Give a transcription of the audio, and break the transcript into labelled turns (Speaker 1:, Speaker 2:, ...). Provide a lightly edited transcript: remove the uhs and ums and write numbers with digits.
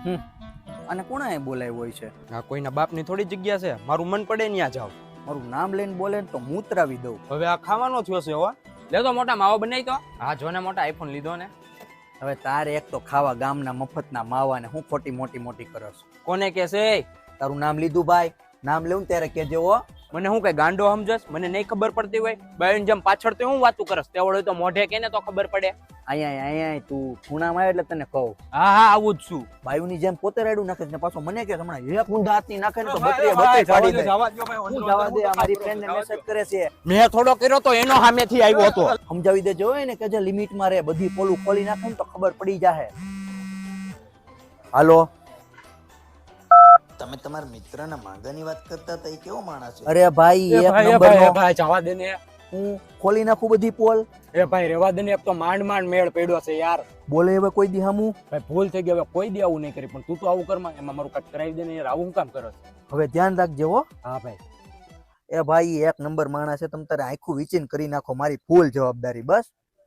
Speaker 1: અને કોણે બોલાવ્યો હોય છે?
Speaker 2: આ કોઈના બાપની થોડી જગ્યા છે, મારું મન પડે ત્યાં જાવ.
Speaker 1: મારું નામ લઈને બોલે ને તો મૂતરાવી દઉં.
Speaker 2: હવે આ ખાવાનો થયો છે હો. લે તો મોટા માવો બનાવી તો. હા જો ને મોટા આઈફોન લીધો ને.
Speaker 1: હવે તારે એક તો ખાવા ગામના મફતના માવા ને હું ખોટી મોટી કરસ.
Speaker 2: કોને કે છે?
Speaker 1: તારું નામ લીધું ભાઈ, નામ લેવું ત્યારે કેજે હો.
Speaker 2: મને હું કઈ ગાંડો સમજસ? મને નહીં ખબર પડતી હોય? બાયન જેમ પાછળ તો હું વાતું કરસ, તેવડે તો મોઢે કે ને તો ખબર પડે.
Speaker 1: અહીંયા તું ખૂણામાં આવે એટલે તને કહું.
Speaker 2: હા હા આવું જ છું.
Speaker 1: બાયુની જેમ પોતે રાડું નાખે ને પાછો મને કે હમણાં એક ઊંધા હાથની નાખે ને તો બત્રીએ પાડી દે. હું જવા દે, અમારી ફ્રેન્ડ ને મેસેજ કરે છે.
Speaker 2: મેં થોડો કર્યો તો એનો સામેથી આવ્યો હતો.
Speaker 1: સમજાવી દેજો ને કે જે લિમિટમાં રહે, બધી પોલું ખોલી નાખે ને તો ખબર પડી જાહે. હાલો,
Speaker 3: તમે તમારા મિત્રના માંગાની વાત કરતા હતા, એ કેવો માણસ છે?
Speaker 1: અરે ભાઈ એક નંબરનો.
Speaker 2: ભાઈ જવા દે ને.
Speaker 1: હું ખોલી નાખું બધી પોલ.
Speaker 2: એ ભાઈ રેવા દે ને, એક તો માંડ મેળ પડ્યો છે યાર.
Speaker 1: બોલે હવે કોઈ દી હમું.
Speaker 2: ભાઈ ભૂલ થઈ ગઈ, હવે કોઈ દી આવું નહીં કરી, પણ તું તો આવું કરમાં, એમાં મારું કટ કરાવી દે ને યાર. આવું કામ કરો?
Speaker 1: હવે ધ્યાન રાખજો હો.
Speaker 2: હા ભાઈ.
Speaker 1: એ ભાઈ એક નંબર માણસ છે, તમે તારે આખું વિચીન કરી નાખો, મારી ફૂલ જવાબદારી. બસ